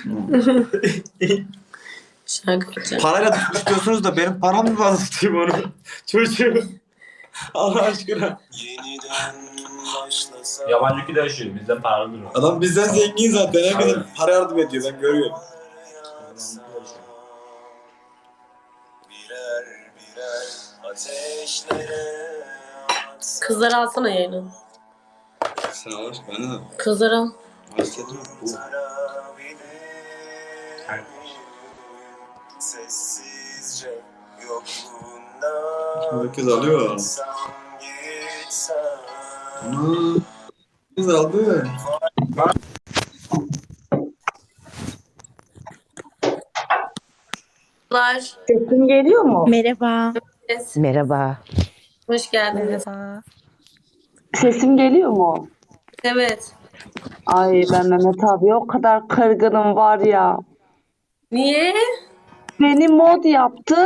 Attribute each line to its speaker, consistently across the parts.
Speaker 1: Şarkıcı.
Speaker 2: Parayla tutmuş diyorsunuz da benim param mı var tutayım onu? Çocuğu. Allah aşkına.
Speaker 3: Yabancı ülkede yaşıyor. Bizden paralıdır o.
Speaker 2: Adam bizden zengin zaten. Herkese para yardım ediyor. Ben görüyorum.
Speaker 1: Kızları alsana yayını.
Speaker 2: Sen al aşkına. Ben de.
Speaker 1: Kızları al.
Speaker 2: Hasretim bu.
Speaker 4: Sessizce yokluğunda
Speaker 2: Herkes alıyor. Ana. Herkes aldı.
Speaker 1: Kızlar.
Speaker 5: Sesim geliyor mu?
Speaker 6: Merhaba.
Speaker 7: Merhaba.
Speaker 1: Hoş geldiniz.
Speaker 6: Merhaba.
Speaker 5: Sesim geliyor mu?
Speaker 1: Evet.
Speaker 5: Ay ben Mehmet abi o kadar kırgınım var ya.
Speaker 1: Niye?
Speaker 5: Beni mod yaptı.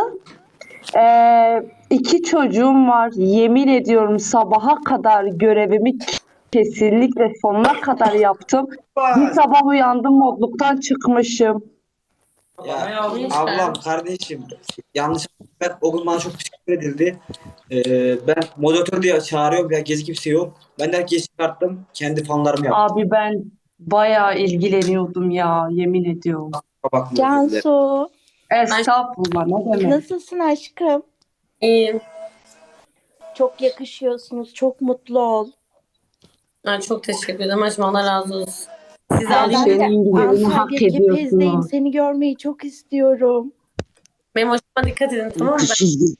Speaker 5: 2 çocuğum var. Yemin ediyorum sabaha kadar görevimi kesinlikle sonuna kadar yaptım. Bir sabah uyandım modluktan çıkmışım.
Speaker 2: Ya ablam, kardeşim yanlış ben o gün bana çok teşekkür edildi. Ben moderatör diye çağırıyorum ya, gezi kimse yok. Ben de herkesi çıkarttım. Kendi fanlarımı yaptım.
Speaker 5: Abi ben bayağı ilgileniyordum ya yemin ediyorum.
Speaker 2: Bakma,
Speaker 6: Cansu.
Speaker 5: Estağfurullah ne demek.
Speaker 6: Nasılsın aşkım?
Speaker 1: İyiyim.
Speaker 6: Çok yakışıyorsunuz. Çok mutlu ol.
Speaker 1: Ay, çok teşekkür ederim. Aşkım Allah razı olsun. Siz
Speaker 5: Her
Speaker 1: alayım.
Speaker 5: şeyin güzelini hak
Speaker 6: Antalya Gepez'deyim.
Speaker 5: ediyorsunuz.
Speaker 6: Seni görmeyi çok istiyorum.
Speaker 1: Benim hoşuma dikkat edin, tamam mı?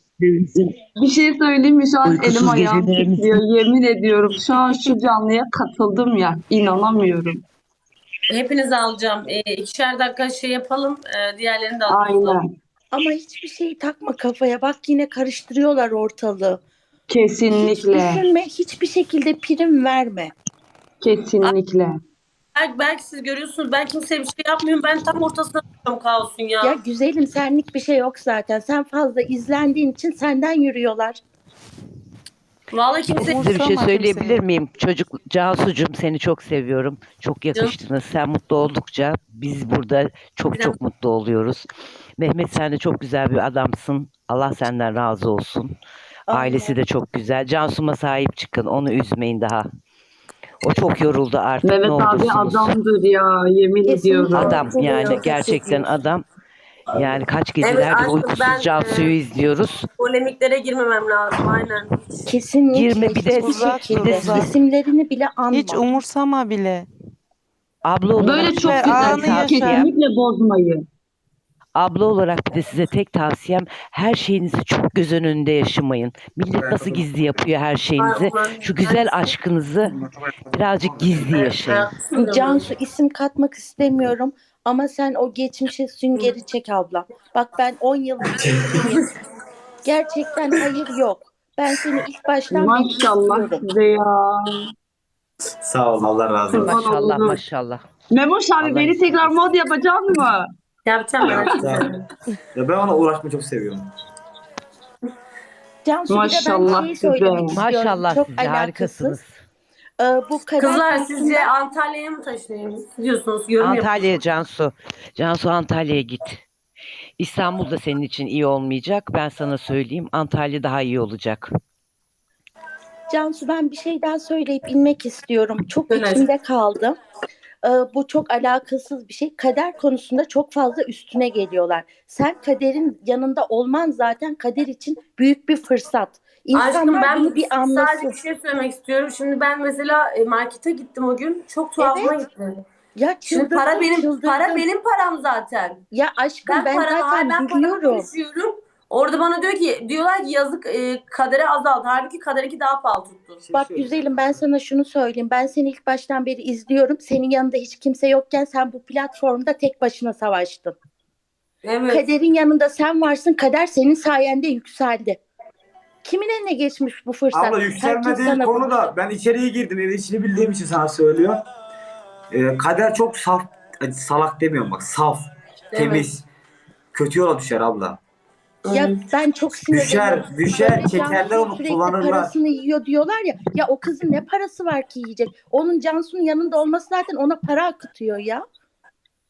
Speaker 5: Bir şey söyleyeyim mi? Şu an
Speaker 7: Uykusuz
Speaker 5: elim ayağım
Speaker 7: gecelerimiz.
Speaker 5: titriyor. Yemin ediyorum. Şu an şu canlıya katıldım ya. İnanamıyorum.
Speaker 1: Hepinizi alacağım. 2'şer dakika şey yapalım. Diğerlerini de alalım.
Speaker 5: Aynen.
Speaker 6: Ama hiçbir şeyi takma kafaya. Bak yine karıştırıyorlar ortalığı. Hiç
Speaker 5: Kesinlikle.
Speaker 6: düşünme. Hiçbir şekilde prim verme.
Speaker 5: Kesinlikle.
Speaker 1: Belki siz görüyorsunuz. Ben kimseye bir şey yapmıyorum. Ben tam ortasına tutuyorum kaosun ya.
Speaker 6: Ya güzelim senlik bir şey yok zaten. Sen fazla izlendiğin için senden yürüyorlar.
Speaker 1: Vallahi kimse...
Speaker 7: Size bir şey söyleyebilir miyim? Cansucuğum, seni çok seviyorum. Çok yakıştınız. Sen mutlu oldukça biz burada çok mutlu oluyoruz. Mehmet, sen de çok güzel bir adamsın. Allah senden razı olsun. Ailesi de çok güzel. Cansu'ma sahip çıkın. Onu üzmeyin daha. O çok yoruldu artık.
Speaker 5: Mehmet
Speaker 7: ne
Speaker 5: abi
Speaker 7: olursunuz.
Speaker 5: adamdır ya. Yemin
Speaker 6: Kesinlikle.
Speaker 5: ediyorum.
Speaker 7: Adam yani
Speaker 6: Çok
Speaker 7: gerçekten
Speaker 6: haklısın.
Speaker 7: adam. Yani kaç
Speaker 1: Evet,
Speaker 7: gecelerdir
Speaker 1: aşkım,
Speaker 7: uykusuz
Speaker 1: ben,
Speaker 7: Cansu'yu izliyoruz.
Speaker 1: Polemiklere girmemem lazım. Aynen.
Speaker 6: Kesinlikle.
Speaker 7: Girme, bir de-
Speaker 6: hiçbir şekilde.
Speaker 7: bir de-
Speaker 6: İsimlerini bile anma.
Speaker 8: Hiç umursama bile.
Speaker 7: Abla olarak
Speaker 5: Böyle çok
Speaker 8: Ver,
Speaker 5: güzel.
Speaker 8: anı yaşa.
Speaker 5: Kesinlikle bozmayın.
Speaker 7: Abla olarak bir de size tek tavsiyem, her şeyinizi çok göz önünde yaşamayın. Millet nasıl gizli yapıyor her şeyinizi. Şu güzel aşkınızı birazcık gizli yaşayın.
Speaker 6: Cansu isim katmak istemiyorum ama sen o geçmişe süngeri çek abla. Bak ben 10 yıldır birlikteyim. Gerçekten hayır yok. Ben seni ilk baştan beri
Speaker 5: Maşallah
Speaker 6: istiyorum.
Speaker 5: size ya.
Speaker 2: Sağ ol, Allah razı olsun.
Speaker 7: Maşallah
Speaker 5: olur.
Speaker 7: maşallah.
Speaker 5: Memoş abi
Speaker 7: Allah
Speaker 5: beni
Speaker 7: izin
Speaker 5: tekrar
Speaker 7: versin.
Speaker 5: mod yapacak mı?
Speaker 1: Yapacağım ben.
Speaker 2: Ya ben ona uğraşmayı çok seviyorum.
Speaker 6: Cansu bir de ben
Speaker 5: Maşallah
Speaker 6: şeyi
Speaker 5: size.
Speaker 6: söylemek istiyorum.
Speaker 7: Maşallah
Speaker 6: Çok
Speaker 7: size,
Speaker 6: alakasız.
Speaker 7: harikasınız.
Speaker 6: Bu kader
Speaker 1: Kızlar
Speaker 6: konusunda-
Speaker 1: sizce Antalya'ya mı taşınayım? Diyorsunuz. Yorum yapın.
Speaker 7: Antalya'ya Cansu. Cansu, Antalya'ya git. İstanbul da senin için iyi olmayacak. Ben sana söyleyeyim. Antalya daha iyi olacak.
Speaker 6: Cansu ben bir şey daha söyleyip inmek istiyorum. Çok
Speaker 1: Evet.
Speaker 6: içimde kaldı. Bu çok alakasız bir şey. Kader konusunda çok fazla üstüne geliyorlar. Sen kaderin yanında olman zaten kader için büyük bir fırsat.
Speaker 1: Aşkım
Speaker 6: İnsanlar
Speaker 1: ben
Speaker 6: bunu bir
Speaker 1: sadece
Speaker 6: anlasın.
Speaker 1: bir şey söylemek istiyorum. Şimdi ben mesela markete gittim o gün. Çok tuhafıma
Speaker 6: Evet.
Speaker 1: gitti.
Speaker 6: Ya
Speaker 1: Şimdi
Speaker 6: çıldırdım,
Speaker 1: para benim param zaten.
Speaker 6: Ya aşkım ben
Speaker 1: paramı
Speaker 6: zaten biliyorum.
Speaker 1: taşıyorum. Orada bana diyorlar ki yazık, kadere azaldı. Halbuki kaderinki daha pahalı tuttu.
Speaker 6: Bak güzelim ben sana şunu söyleyeyim. Ben seni ilk baştan beri izliyorum. Senin yanında hiç kimse yokken sen bu platformda tek başına savaştın.
Speaker 1: Evet.
Speaker 6: Kaderin yanında sen varsın. Kader senin sayende yükseldi. Kimin eline geçmiş bu fırsat?
Speaker 2: Abla
Speaker 6: Herkes
Speaker 2: yükselme değil
Speaker 6: sana
Speaker 2: konu
Speaker 6: bunu-
Speaker 2: da, ben içeriye girdim, evin içini bildiğim için sana söylüyor. Kader çok saf, salak demiyorum bak, saf,
Speaker 1: Evet.
Speaker 2: temiz. Kötü yola düşer abla.
Speaker 6: Ya ben çok sinirleniyorum.
Speaker 2: Düşer,
Speaker 6: Böyle
Speaker 2: çekerler
Speaker 6: Cansu'nun
Speaker 2: onu,
Speaker 6: sürekli
Speaker 2: kullanırlar.
Speaker 6: parasını yiyor diyorlar ya. Ya o kızın ne parası var ki yiyecek? Onun Cansu'nun yanında olması zaten ona para akıtıyor ya.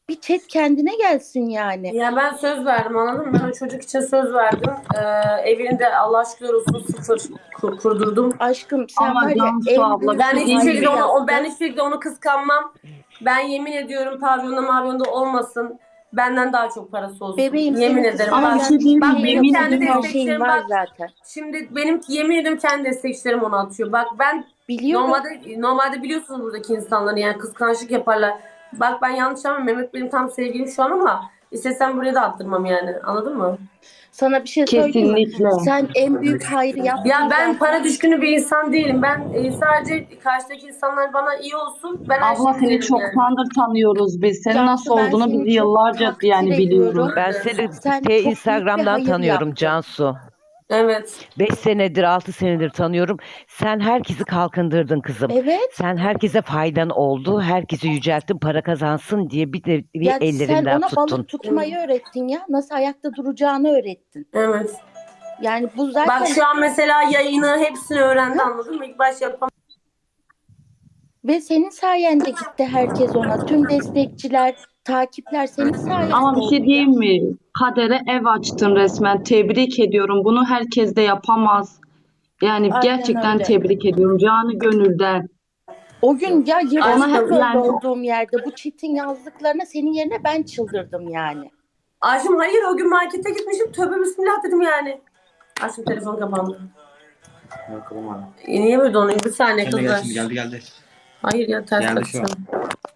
Speaker 6: Bir chat kendine gelsin yani.
Speaker 1: Ya ben söz verdim, anladın mı? Ben o çocuk için söz verdim. Evini de Allah şükür olsun sıfır kurdurdum.
Speaker 6: Aşkım sen
Speaker 5: Ama
Speaker 6: var ya
Speaker 5: Cansu
Speaker 6: en
Speaker 5: abla,
Speaker 6: büyük
Speaker 1: Ben hiçbir
Speaker 5: Değil
Speaker 1: şekilde
Speaker 5: mi?
Speaker 1: onu kıskanmam. Ben yemin ediyorum pavyonda mavyonda olmasın. Benden daha çok parası olsun.
Speaker 6: bebeğim
Speaker 1: Yemin
Speaker 6: senin
Speaker 1: ederim.
Speaker 5: Ama bir
Speaker 1: Bak,
Speaker 5: şey diyeyim mi?
Speaker 1: bak benim
Speaker 5: Yemin
Speaker 1: kendi
Speaker 5: ediyorum.
Speaker 6: her şeyin
Speaker 1: destekçilerim
Speaker 6: var
Speaker 1: bak.
Speaker 6: zaten.
Speaker 1: Şimdi benim yemin ediyorum kendi destekçilerim onu atıyor. Bak ben
Speaker 6: Biliyorum.
Speaker 1: normalde biliyorsunuz buradaki insanları yani kıskançlık yaparlar. Bak ben yanlış ama Mehmet benim tam sevgilim şu an ama istesem buraya da attırmam yani. Anladın mı?
Speaker 6: Sana bir şey söyleyeyim mi?
Speaker 5: Kesinlikle.
Speaker 6: Sen en büyük hayrı yaptın.
Speaker 1: Ya ben
Speaker 6: zaten.
Speaker 1: para düşkünü bir insan değilim. Ben sadece karşıdaki insanlar bana iyi olsun. Ben her
Speaker 5: Abla
Speaker 1: şeyi
Speaker 5: seni
Speaker 1: bilirim yani.
Speaker 5: çoktandır tanıyoruz biz. Senin
Speaker 6: Cansu,
Speaker 5: nasıl
Speaker 6: ben
Speaker 5: olduğunu
Speaker 6: seni
Speaker 5: biz
Speaker 6: çok
Speaker 5: yıllarca
Speaker 6: takdir
Speaker 5: yani biliyoruz.
Speaker 6: ediyorum.
Speaker 7: Ben seni
Speaker 6: Sen çok büyük bir
Speaker 7: Instagram'dan
Speaker 6: hayır
Speaker 7: tanıyorum
Speaker 6: yaptın.
Speaker 7: Cansu.
Speaker 1: Evet.
Speaker 7: 5 senedir 6 senedir tanıyorum. Sen herkesi kalkındırdın kızım.
Speaker 6: Evet.
Speaker 7: Sen herkese faydan oldu. Herkesi yücelttin para kazansın diye bir de bir
Speaker 6: Ya sen
Speaker 7: ellerinden
Speaker 6: ona
Speaker 7: tuttun.
Speaker 6: balık tutmayı öğrettin ya. Nasıl ayakta duracağını öğrettin.
Speaker 1: Evet.
Speaker 6: Yani bu zaten
Speaker 1: Bak şu an mesela yayını hepsini öğrendi, anladın mı? İlk baş yapamam.
Speaker 6: ve senin sayende gitti herkes ona. Tüm destekçiler, takipler senin sayende
Speaker 5: Ama bir
Speaker 6: oldu
Speaker 5: şey
Speaker 6: ya.
Speaker 5: diyeyim mi? Kadere ev açtın resmen. Tebrik ediyorum. Bunu herkes de yapamaz. Yani
Speaker 6: Aynen
Speaker 5: gerçekten
Speaker 6: öyle.
Speaker 5: tebrik ediyorum. Canı gönülden.
Speaker 6: O gün ya
Speaker 5: Ona
Speaker 6: yırtıcı böyle
Speaker 5: yani-
Speaker 6: olduğum yerde bu çitin yazdıklarına senin yerine ben çıldırdım yani.
Speaker 1: Ayşem hayır, o gün markete gitmişim. Tövbe bismillah dedim yani. Ayşem telefon kapandı.
Speaker 2: Yok, kapamadım.
Speaker 1: Niye böyle donuyor? Bir saniye
Speaker 2: Şimdi
Speaker 1: kızlar.
Speaker 2: geldi.
Speaker 1: Hayır ya, ters
Speaker 2: Geldi şu an.
Speaker 1: takacağım.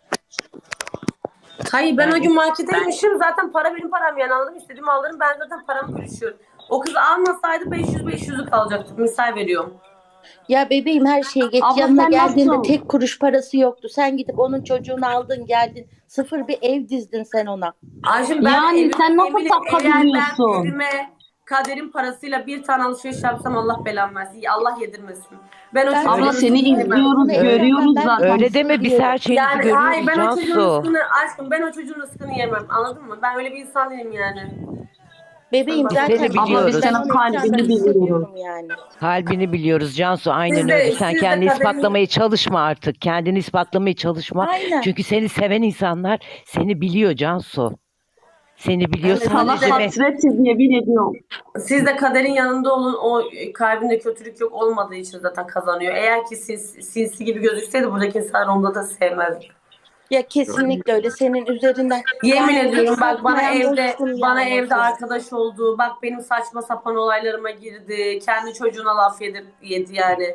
Speaker 1: Hayır ben o gün markete gitmişim. Zaten para benim param yani, anladın mı? İstediğimi alırım. Ben zaten paramı bölüşüyorum. O kız almasaydı 500'lük alacaktık. Misal veriyorum.
Speaker 6: Ya bebeğim her şeye geç.
Speaker 5: Abla
Speaker 6: Yanına
Speaker 5: sen
Speaker 6: geldiğinde
Speaker 5: nasıl-
Speaker 6: tek kuruş parası yoktu. Sen gidip onun çocuğunu aldın geldin. Sıfır bir ev dizdin sen ona.
Speaker 1: Ayşem ben
Speaker 5: Yani sen nasıl
Speaker 1: eğer
Speaker 5: takabiliyorsun?
Speaker 1: ben evime kaderin parasıyla bir tane alışveriş yapsam Allah belamı versin. Allah yedirmesin. Ben o
Speaker 6: Ben-
Speaker 1: çocuğun
Speaker 5: Abla
Speaker 1: rızkını
Speaker 5: seni
Speaker 1: yemem.
Speaker 5: izliyoruz,
Speaker 6: Bunu
Speaker 5: görüyoruz
Speaker 6: ben-
Speaker 5: zaten.
Speaker 7: Öyle deme biz her şeyinizi
Speaker 1: Yani
Speaker 7: görüyoruz
Speaker 1: hayır, ben o çocuğun
Speaker 7: Cansu.
Speaker 1: rızkını aşkım, ben o çocuğun rızkını yemem, anladın mı? Ben öyle bir insan değilim yani.
Speaker 6: Bebeğim
Speaker 1: Biz
Speaker 6: zaten
Speaker 7: seni
Speaker 6: biliyorum.
Speaker 7: biliyoruz.
Speaker 6: Ben
Speaker 5: Senin
Speaker 6: onu
Speaker 5: kalbini
Speaker 6: ekranda
Speaker 5: biliyoruz.
Speaker 6: hissediyorum yani.
Speaker 7: Kalbini biliyoruz Cansu, aynen
Speaker 1: Siz de-
Speaker 7: öyle. Sen
Speaker 1: siz de
Speaker 7: kendini
Speaker 1: kaderini-
Speaker 7: ispatlamaya çalışma artık. Kendini ispatlamaya çalışma.
Speaker 6: Aynen.
Speaker 7: Çünkü seni seven insanlar seni biliyor Cansu. Seni biliyor.
Speaker 1: Evet,
Speaker 5: Sana
Speaker 7: Sadece
Speaker 5: hasretiz yemin ediyorum.
Speaker 1: Siz de kaderin yanında olun. O kalbinde kötülük yok olmadığı için zaten kazanıyor. Eğer ki sinsi gibi gözükseydi buradaki insanlar onda da sevmezdi.
Speaker 6: Ya kesinlikle öyle senin üzerinden.
Speaker 1: Yemin
Speaker 6: Yani
Speaker 1: ediyorum
Speaker 6: hiç
Speaker 1: bak, bana
Speaker 6: satmayan
Speaker 1: evde
Speaker 6: dostum
Speaker 1: bana
Speaker 6: yani
Speaker 1: evde
Speaker 6: o
Speaker 1: arkadaş oldu. Bak benim saçma sapan olaylarıma girdi. Kendi çocuğuna laf yedi yani.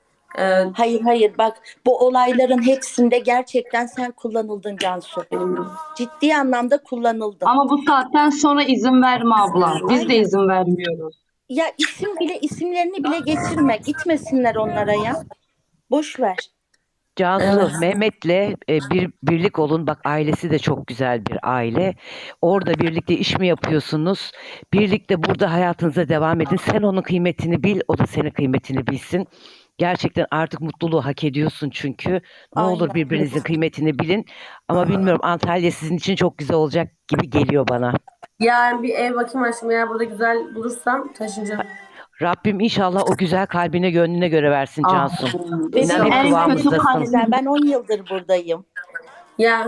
Speaker 6: Hayır bak bu olayların hepsinde gerçekten sen kullanıldın Cansu. Ciddi anlamda kullanıldın.
Speaker 5: Ama bu saatten sonra izin verme abla. Biz de
Speaker 6: Aynen.
Speaker 5: izin vermiyoruz.
Speaker 6: Ya isimlerini bile geçirme. Gitmesinler onlara ya. Boş ver.
Speaker 7: Cansu,
Speaker 1: Evet.
Speaker 7: Mehmet'le birlik olun. Bak ailesi de çok güzel bir aile. Orada birlikte iş mi yapıyorsunuz? Birlikte burada hayatınıza devam edin. Sen onun kıymetini bil, o da senin kıymetini bilsin. Gerçekten artık mutluluğu hak ediyorsun çünkü. Ne olur
Speaker 6: Aynen.
Speaker 7: birbirinizin kıymetini bilin. Ama bilmiyorum, Antalya sizin için çok güzel olacak gibi geliyor bana.
Speaker 1: Yani bir ev bakayım aşkım, eğer burada güzel bulursam taşınacağım.
Speaker 7: Rabbim inşallah o güzel kalbine gönlüne göre versin
Speaker 5: Ah.
Speaker 7: Cansu.
Speaker 6: Benim
Speaker 7: İnan hep
Speaker 5: en kötü
Speaker 7: kıvamındasın.
Speaker 5: kalbim-
Speaker 6: Güzel. Ben 10 yıldır buradayım.
Speaker 1: Ya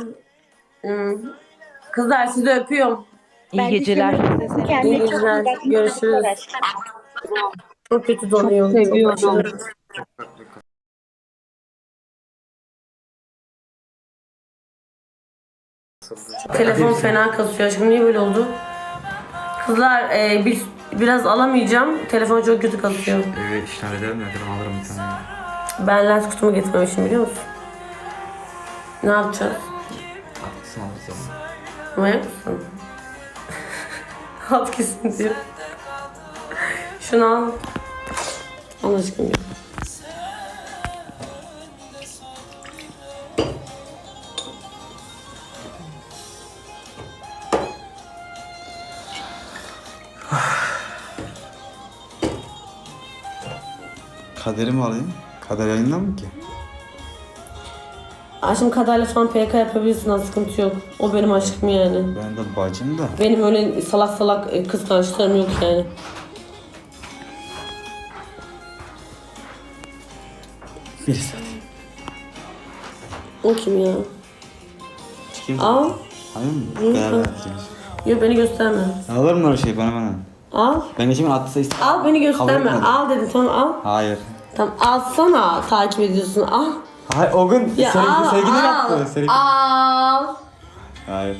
Speaker 1: kızlar sizi öpüyorum.
Speaker 7: İyi
Speaker 6: Ben de
Speaker 7: geceler.
Speaker 6: seni öpüyorum. Kendine
Speaker 1: İyi
Speaker 6: çok iyi
Speaker 1: geceler.
Speaker 6: bak.
Speaker 1: Görüşürüz. Çok kötü donuyor.
Speaker 5: Çok seviyorum.
Speaker 1: aşırı. Telefon fena kasıyor. Şimdi niye böyle oldu? Kızlar biraz alamayacağım. Telefon çok kötü kasıyor.
Speaker 2: Evet, işler ederim nedir, alırım bir tane.
Speaker 1: Ben lens kutumu getirmemişim, biliyor musun? Ne yapacağız?
Speaker 2: Haklısın, alırız.
Speaker 1: Manyak mısın? Alt kesin diyor. Şunu al. Allah aşkına.
Speaker 8: Kaderi mi alayım? Kader yayından mı ki?
Speaker 1: Aşkım kadarla falan PK yapabilirsin, az sıkıntı yok. O benim aşkım yani.
Speaker 8: Ben de bacım da.
Speaker 1: Benim öyle salak salak kıskançlarım yok yani.
Speaker 8: Bir saat.
Speaker 1: O kim ya?
Speaker 8: Kim?
Speaker 1: Al.
Speaker 8: Hayır mı?
Speaker 1: Hı,
Speaker 8: Beraber
Speaker 1: tamam.
Speaker 8: gideceğiz.
Speaker 1: Yok beni gösterme.
Speaker 8: Alır mı öyle şey bana?
Speaker 1: Al.
Speaker 8: Ben geçen gün attıysa istedim.
Speaker 1: Al beni gösterme.
Speaker 8: etmedi.
Speaker 1: Al dedim tamam al.
Speaker 8: Hayır.
Speaker 1: Tamam alsana takip ediyorsun al.
Speaker 8: Hayır o gün
Speaker 1: Ya al
Speaker 8: sevgili
Speaker 1: al.
Speaker 8: yaptı. Sevgili.
Speaker 1: Al.
Speaker 8: Hayır.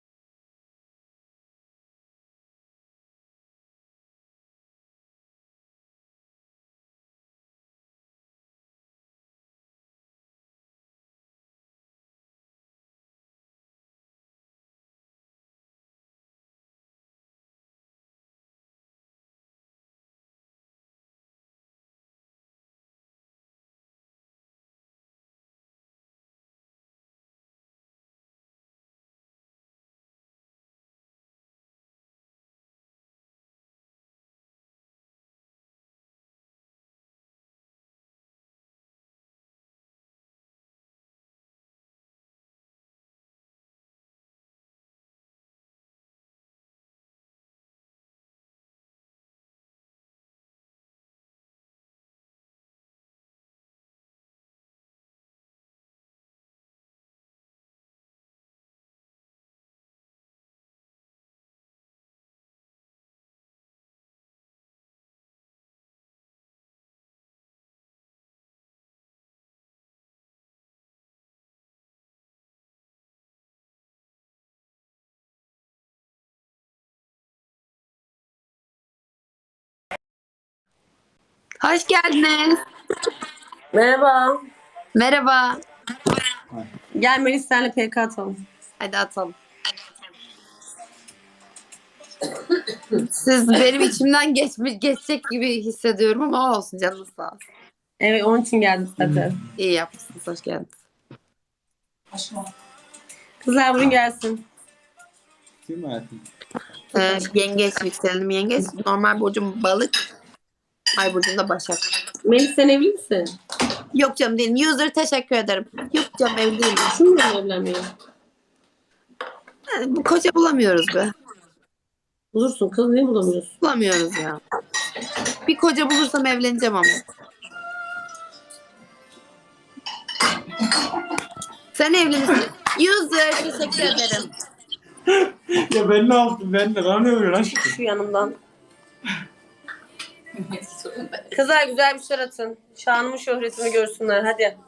Speaker 9: Hoş geldiniz.
Speaker 1: Merhaba.
Speaker 9: Merhaba.
Speaker 1: Gel Melis senle PK atalım.
Speaker 9: Hadi atalım. Siz benim içimden geçecek gibi hissediyorum ama olsun canınız sağ olsun.
Speaker 1: Evet onun için geldim zaten.
Speaker 9: İyi yapmışsınız. Hoş geldiniz.
Speaker 1: Kızlar bugün gelsin.
Speaker 8: Değil mi hayatım?
Speaker 9: Yengeç yükselenim yengeç. Normal burcum balık. Ay burcum da başak.
Speaker 1: Melis sen evli misin?
Speaker 9: Yok canım değilim. User teşekkür ederim. Yok canım evli değilim.
Speaker 1: Şimdi mi evlenmiyor?
Speaker 9: Bu koca bulamıyoruz be.
Speaker 1: Bulursun kız niye bulamıyorsun?
Speaker 9: Bulamıyoruz ya. Bir koca bulursam evleneceğim ama. Sen evli misin? User teşekkür ederim.
Speaker 8: Ya ben ne yaptım? Ben de bana ne oluyor lan?
Speaker 1: Şu yanımdan. Kızlar güzel bir şeyler atın. Şanımı şöhretimi görsünler hadi.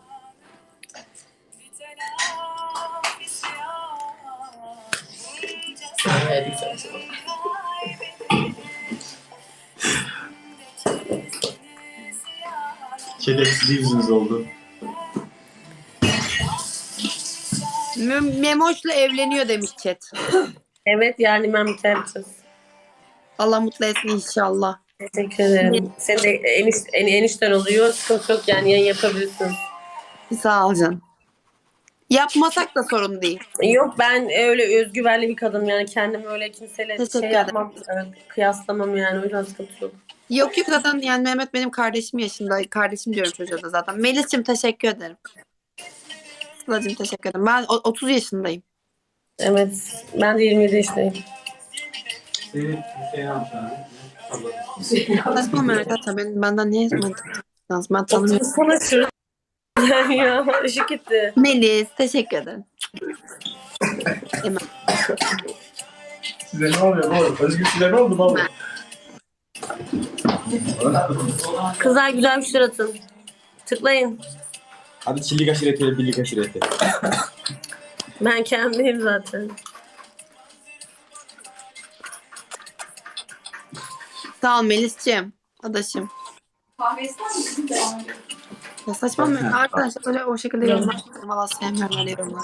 Speaker 3: Şerefsiz yüzünüz oldu.
Speaker 9: Memoş'la evleniyor demiş chat.
Speaker 1: Evet yani ben biter yapacağız.
Speaker 9: Allah mutlu etsin inşallah.
Speaker 1: Teşekkür ederim. Senin de enişten oluyor. Sıkıntı yok yani yayın yapabilirsiniz.
Speaker 9: Sağ ol canım. Yapmasak da sorun değil.
Speaker 1: Yok ben öyle özgüvenli bir kadınım yani kendim öyle kimseyle
Speaker 9: Teşekkür
Speaker 1: şey
Speaker 9: ederim.
Speaker 1: yapmam, kıyaslamam yani o yüzden sıkıntı yok.
Speaker 9: Yok zaten yani Mehmet benim kardeşim yaşında. Kardeşim diyorum çocuğa da zaten. Melis'cim teşekkür ederim. Sıla'cığım teşekkür ederim. Ben 30 yaşındayım.
Speaker 1: Evet ben de 27 yaşındayım.
Speaker 9: Saçma arkadaşlar benden niye lazım? Ben tanımıyorum.
Speaker 1: Sana şurada ya ışık gitti.
Speaker 9: Melis teşekkür ederim. Hemen.
Speaker 3: Size ne oluyor oğlum? Özgür size ne oldu baba?
Speaker 1: Kızlar güzel bir şeyler atın. Tıklayın.
Speaker 8: Hadi çillik aşireti, birlik aşireti.
Speaker 1: Ben kendiyim zaten.
Speaker 9: Sağ ol Melis'ciğim. Adaşım. Ya saçma mı? Arkadaşlar böyle o şekilde yorumlar. Valla sevmiyorum öyle yorumlar.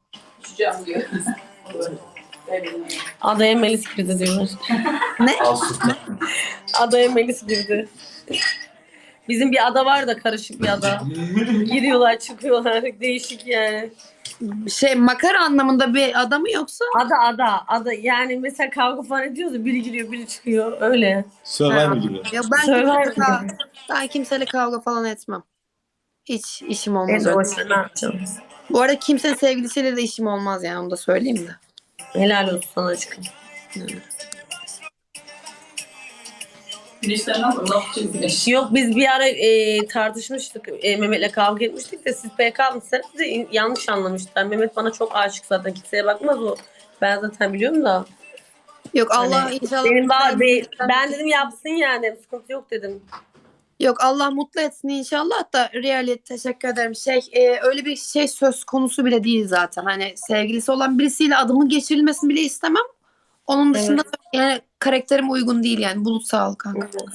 Speaker 1: Adaya Melis girdi diyorlar.
Speaker 9: Ne?
Speaker 1: Adaya Melis girdi. Bizim bir ada var da karışık bir ada. Giriyorlar çıkıyorlar değişik yani.
Speaker 9: Makara anlamında bir adamı yoksa?
Speaker 1: Ada yani mesela kavga falan ediyoruz ya biri giriyor biri çıkıyor öyle.
Speaker 8: Survivor gibi.
Speaker 9: Ya ben
Speaker 1: Survivor
Speaker 9: kimseyle kavga falan etmem. Hiç işim olmaz
Speaker 1: En
Speaker 9: öyle.
Speaker 1: hoş ne yapacağım?
Speaker 9: Bu arada kimsenin sevgilisiyle de işim olmaz yani onu da söyleyeyim de.
Speaker 1: Helal olsun sana aşkım. Yok biz bir ara tartışmıştık. Mehmet'le kavga etmiştik de siz PK mısınız? Yanlış anlamışlar. Mehmet bana çok aşık zaten. Kimseye bakmaz o. Ben zaten biliyorum da.
Speaker 9: Yok Allah
Speaker 1: Hani
Speaker 9: inşallah.
Speaker 1: benim ben dedim yapsın yani. Sıkıntı yok dedim.
Speaker 9: Yok Allah mutlu etsin inşallah da reality teşekkür ederim. Öyle bir şey söz konusu bile değil zaten. Hani sevgilisi olan birisiyle adımın geçirilmesini bile istemem. Onun dışında
Speaker 1: Evet.
Speaker 9: yani karakterim uygun değil yani. Bulut sağ ol kanka.
Speaker 1: Evet.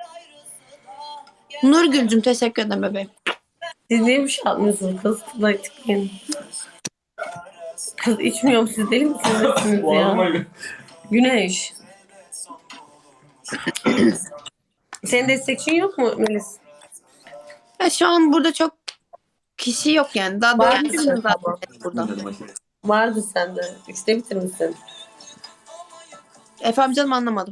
Speaker 9: Nurgül'cüm teşekkür ederim bebeğim.
Speaker 1: Siz niye bir şey yapmıyorsunuz kız? Tıklayın tıklayın. Kız içmiyorum siz değil misiniz? Nesiniz ya? Güneş. Senin destekçin yok mu Melis?
Speaker 9: Ya şu an burada çok kişi yok yani. Daha
Speaker 1: Var
Speaker 9: 4
Speaker 1: mısın
Speaker 9: kişi zaten
Speaker 1: ama?
Speaker 9: burada.
Speaker 1: Vardı sende. 3'te bitirmişsin.
Speaker 9: Efendim canım anlamadım.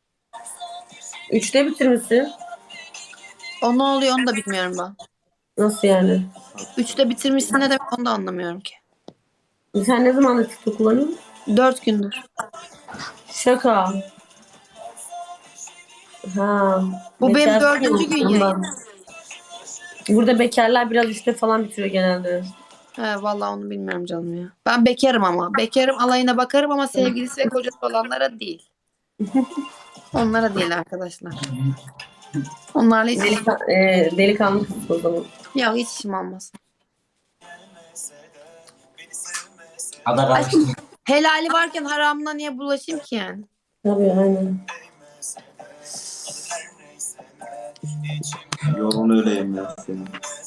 Speaker 1: 3'te bitirmişsin.
Speaker 9: O ne oluyor onu da bilmiyorum ben.
Speaker 1: Nasıl yani?
Speaker 9: 3'te bitirmişsin ne demek onu da anlamıyorum ki.
Speaker 1: Sen ne zamandır TikTok kullanıyorsun?
Speaker 9: 4 gündür.
Speaker 1: Şaka. Ha.
Speaker 9: Bu benim
Speaker 1: bekar
Speaker 9: 4.
Speaker 1: değil mi?
Speaker 9: gün
Speaker 1: Ondan.
Speaker 9: yayın.
Speaker 1: Burada bekarlar biraz 3'te falan bitiriyor genelde.
Speaker 9: He vallahi onu bilmiyorum canım ya. Ben bekarım ama. Bekarım alayına bakarım ama sevgilisi ve kocası olanlara değil. Onlara değil arkadaşlar. Onlarla hiç
Speaker 1: Delikanlı kız o zaman.
Speaker 9: ya hiç işim olmaz.
Speaker 2: Ada karıştı.
Speaker 9: Helali varken haramına niye bulaşayım ki yani?
Speaker 1: Tabii aynen.
Speaker 8: Yorun öyleyim ya senin.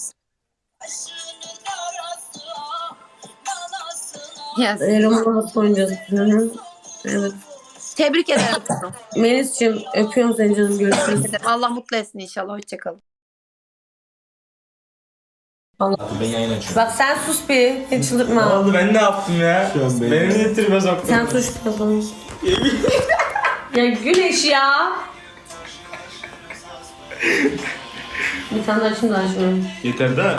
Speaker 9: Yes.
Speaker 1: Roman nasıl oynayacağız? Hı hı. Evet.
Speaker 9: Tebrik ederim kızım.
Speaker 1: Melis'ciğim öpüyorum seni canım. Görüşürüz.
Speaker 9: Allah mutlu etsin inşallah. Hoşçakalın.
Speaker 3: Ben yayın açıyorum.
Speaker 1: Bak sen sus bir. Hiç çıldırtma.
Speaker 3: oldu ben ne yaptım ya? Beni niye tribe soktun?
Speaker 1: Sen sus bakalım. Ya Güneş ya. Bir tane daha açayım da açmıyorum.
Speaker 3: Yeter de.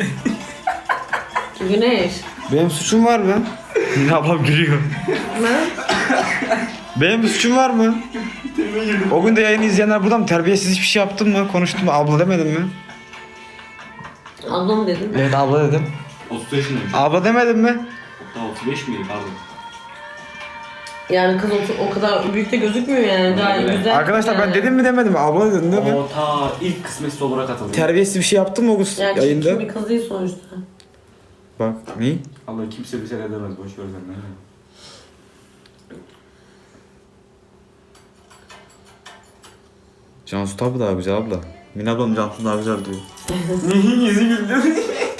Speaker 1: Güneş.
Speaker 8: Benim suçum var mı? Yine ablam gülüyor.
Speaker 1: Ne?
Speaker 8: Benim bir suçum var mı? O gün de yayını izleyenler burada mı? Terbiyesiz hiçbir şey yaptın mı? Konuştun mu? Abla demedin mi?
Speaker 1: Ablam dedim.
Speaker 8: Evet abla dedim.
Speaker 3: 30 yaşındayım.
Speaker 8: Abla demedin mi?
Speaker 3: Daha 35 miydi pardon?
Speaker 1: Yani kız o kadar büyük de gözükmüyor yani. Gayet
Speaker 3: Evet.
Speaker 1: güzel.
Speaker 8: Arkadaşlar ben
Speaker 1: yani.
Speaker 8: dedim mi demedim mi? Abla dedin değil mi?
Speaker 3: O ta ilk kısmetsiz olarak atıldı.
Speaker 8: Terbiyesiz bir şey yaptın mı o gün
Speaker 1: Yani
Speaker 8: yayında?
Speaker 1: kim bir kız değil sonuçta.
Speaker 8: Bak ne?
Speaker 3: Allah kimse bir şey edemez. Boş ver sen.
Speaker 8: Cansu tabi daha güzel abla. Mine ablam Cansu daha güzel diyor.
Speaker 3: Yüzü güldü.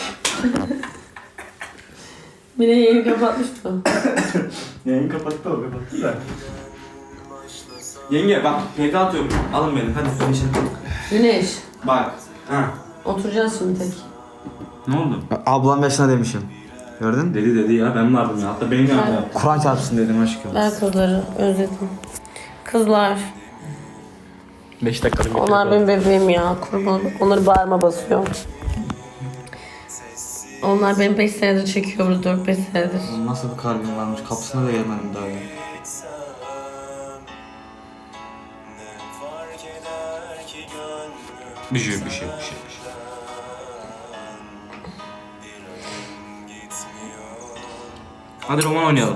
Speaker 1: Bir de yayını kapatmıştı.
Speaker 3: Yayın kapattı o kapattı da. Yenge bak PK atıyorum. Alın beni hadi konuşalım.
Speaker 1: Güneş.
Speaker 3: Bak. Ha.
Speaker 1: Oturacağız şimdi tek.
Speaker 3: Ne oldu?
Speaker 8: Ablam yaşına demişim. Gördün mü?
Speaker 3: Dedi ya ben vardım ya. Hatta benim yanımda yaptı.
Speaker 8: Kur'an çarpsın dedim aşkım.
Speaker 1: Ben kızları özledim. Kızlar.
Speaker 3: 5 dakikalık
Speaker 1: Onlar benim bebeğim ya. Kurban. Onları bağırma basıyor. Onlar benim 5 senedir çekiyor burada 4-5 senedir.
Speaker 8: Oğlum nasıl bir kalbim varmış kapısına da gelmedim daha ya.
Speaker 3: Bir şey. Hadi roman oynayalım.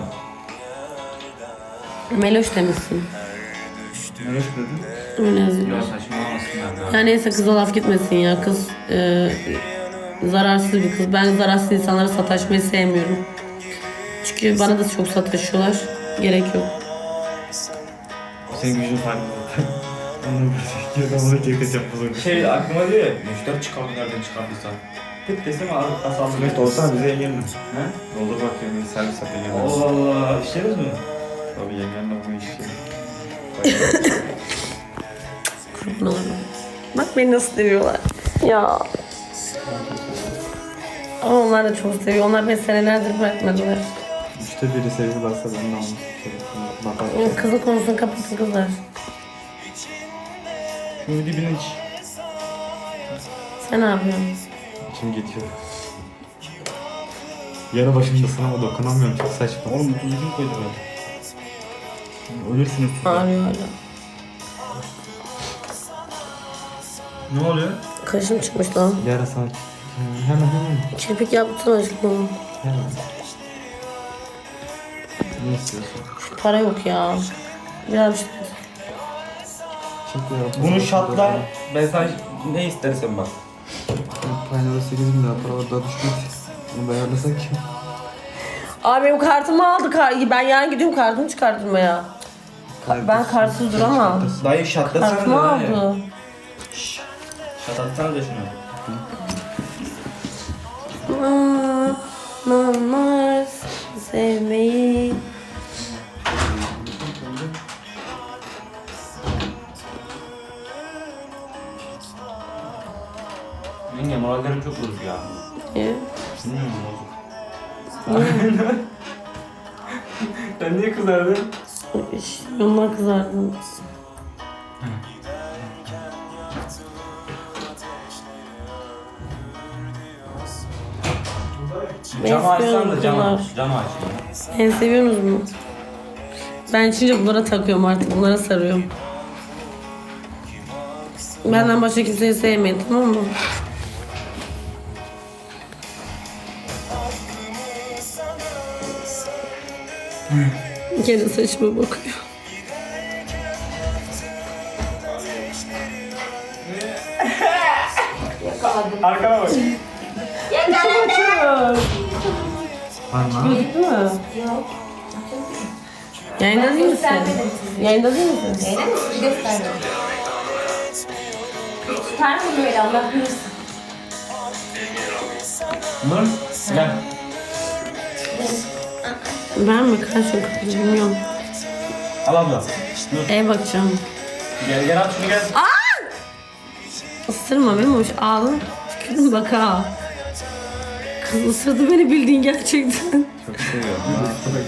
Speaker 1: Meloş demişsin.
Speaker 8: Ne dedin?
Speaker 1: Öyle yazıyor.
Speaker 3: Ya saçmalamasınlar ya.
Speaker 1: Ya neyse kıza laf gitmesin ya. Kız zararsız bir kız. Ben zararsız insanlara sataşmayı sevmiyorum. Çünkü bana da çok sataşıyorlar. Gerek yok.
Speaker 8: Senin gücün farklı zaten. Onu çekeceğim bunu.
Speaker 3: Şey aklıma diyor ya, müşteri çıkardı nereden çıkardıysa. Tık desem ağır kasaldı.
Speaker 8: Mehmet olsana bize yengenle.
Speaker 3: He?
Speaker 8: Doldur bakıyorum servis at yengenle.
Speaker 3: Allah Allah, işleriz mi?
Speaker 8: Tabii yengenle bu işi.
Speaker 1: Kurban olurum. Bak beni nasıl seviyorlar. Ya. Ama onlar da çok seviyor. Onlar beni senelerdir bırakmadılar.
Speaker 8: İşte biri seviyorlarsa ben de onu seviyorum.
Speaker 1: Kızın konusunu kapatın kızlar.
Speaker 8: Şunun dibine iç.
Speaker 1: Sen ne yapıyorsun?
Speaker 8: İçim geçiyor. Yarı başımdasın ama dokunamıyorum çok saçma.
Speaker 3: Oğlum bu tuzu kim koydu böyle?
Speaker 8: Ölürsünüz.
Speaker 1: Ağrıyor hala.
Speaker 3: Ne oluyor?
Speaker 1: Kaşım çıkmış lan.
Speaker 8: Yara sakin. Hemen.
Speaker 1: Kirpik yaptın aşkım.
Speaker 8: Hemen. Ne istiyorsun?
Speaker 1: Para yok ya. Biraz işte.
Speaker 8: Çok ya.
Speaker 3: Bunu şatla ben sana ne istersen bak.
Speaker 8: Paylara 8 bin lira para var daha düşmez. Bunu ayarlasak ki.
Speaker 1: Abi benim kartımı aldı. Ben yarın gidiyorum kartımı çıkartmaya. Ben kartsız duramam.
Speaker 3: Dayı şatlasana
Speaker 1: Kartımı
Speaker 3: da
Speaker 1: aldı.
Speaker 3: dayı. Şatlatsana da şunu.
Speaker 1: Namaz sevmeyi.
Speaker 3: Yenge morallerim çok bozuk ya.
Speaker 1: Niye?
Speaker 3: Bilmiyorum bozuk. Sen niye kızardın?
Speaker 1: İşte ondan kızardım.
Speaker 3: Camı açsan da
Speaker 1: istiyorum
Speaker 3: camı
Speaker 1: bunlar.
Speaker 3: aç. Camı aç.
Speaker 1: Beni seviyorsunuz mu? Ben içince bunlara takıyorum artık. Bunlara sarıyorum. Benden başka kimseyi sevmeyin, tamam mı? Gene saçıma bakıyor.
Speaker 3: Arkana bak.
Speaker 1: Gözüktü mü? Yayında değil misin? Yayında değil misin?
Speaker 3: Nur gel.
Speaker 1: Ben mi? Kaç yok? Bilmiyorum.
Speaker 3: Al abla.
Speaker 1: Eve bakacağım.
Speaker 3: Gel at şunu gel.
Speaker 1: Isırma beni hoş. Ağlın. Tükürün bak ha. Kız ısırdı beni bildiğin gerçekten.
Speaker 3: Çok seviyorum.